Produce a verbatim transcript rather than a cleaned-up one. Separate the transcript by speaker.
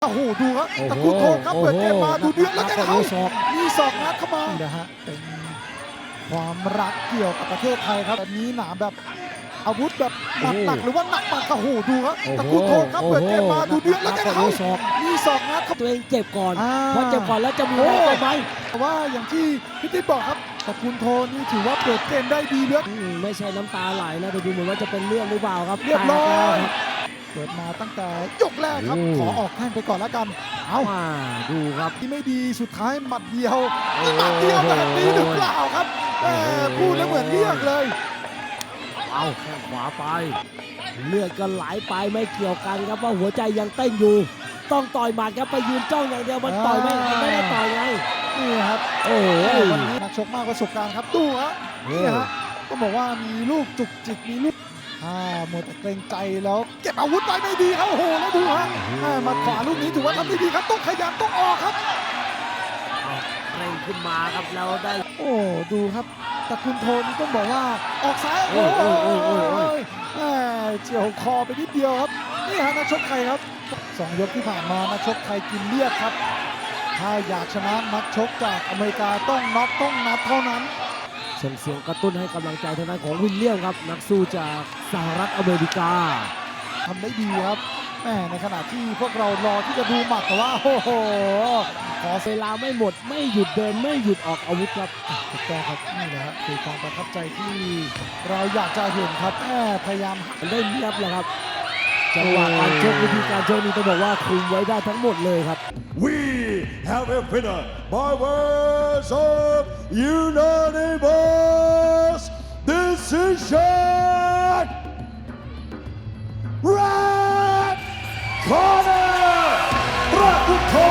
Speaker 1: โอ้โหดูครับตะกุโทนครับเปิดเกมมาดูเดือดแล้วกันเขามีศอกงัดเข้ามานะฮะเป็นความรักเกี่ยวกับประเทศไทยครับแบบนี้หนาแบบอาวุธแบบหนักหนักหรือว่าหนักมากโอ้โหดูครับตะกุโทนครับเปิดเกมมาดูเดือดแล้วกันเขามีศอกงัด
Speaker 2: ตัวเองเจ็บก่อนพอเจ็บก่อนแล้วจะมีแรงไหม
Speaker 1: แต่ว่าอย่างที่พี่ติ๊บบอกครับตะกุโทนนี่ถือว่าเปิดเกมได้ดีเลือด
Speaker 2: ไม่ใช่น้ำตาไหลนะแต่ดูเหมือนว่าจะเป็นเรื่องหรือเปล่าครับ
Speaker 1: เรียบร้อยเปิดมาตั้งแต่ยกแรกครับขอออกแข้งไปก่อนแล้วกันเอา
Speaker 2: ดูครับ
Speaker 1: ที่ไม่ดีสุดท้ายหมัดเดียวหมัดเดียวแบบนี้หรือเปล่าครับพูดแล้วเหมือนเรียกเลย
Speaker 2: เอาแข้งขวาไปเลือดก็ไหลไปไม่เกี่ยวกันครับว่าหัวใจยังเต้นอยู่ต้องต่อยหมัดครับไปยืนจ้องอย่างเดียวมันต่อยไม่ไม่ได้ต่อยไง
Speaker 1: นี่ครับโอ้วันนี้นักชกมากประสบการณ์ครับดูฮะนี่ฮะก็บอกว่ามีลูกจุกจิกมีลูกอ่าหมดเกรงใจแล้วเก็บอาวุธไปไม่ดีครับโอ้โหแล้วดูฮะมาขวาลูกนี้ถือว่าทำได้ดีครับต้องขยันต้องออกครับ
Speaker 2: เร่งขึ้นมาครับแล้วได้
Speaker 1: โอ้ดูครับตะกุนโทนต้องบอกว่าออกซ้ายโอ้โหเจียวคอไปนิดเดียวครับนี่ฮะนักชกไทยครับสองยกที่ผ่านมานักชกไทยกินเลือดครับถ้าอยากชนะนักชกจากอเมริกาต้องน็อกต้องนับเท่านั้น
Speaker 2: ส่งเสียงกระตุ้นให้กำลังใจทางด้านของวิลเลียมครับนักสู้จากสหรัฐอเมริกา
Speaker 1: ทำได้ดีครับแหมในขณะที่พวกเรารอที่จะดูหมัดแต่ว่าโอ้โห
Speaker 2: ขอเวลาไม่หมดไม่หยุดเดินไม่หยุดออกอาวุธครับ
Speaker 1: ถูกต้องครับนี่แหละครับคือความประทับใจที่เราอยากจะเห็นครับแหมพยายาม
Speaker 2: ได้เนียบเลยครับจังหวะการชกวิธีการชกนี้ต้องบอกว่าคุมไว้ได้ทั้งหมดเลยครับ
Speaker 3: We have a winner by words of unanimous decision. Red corner, ประกุโท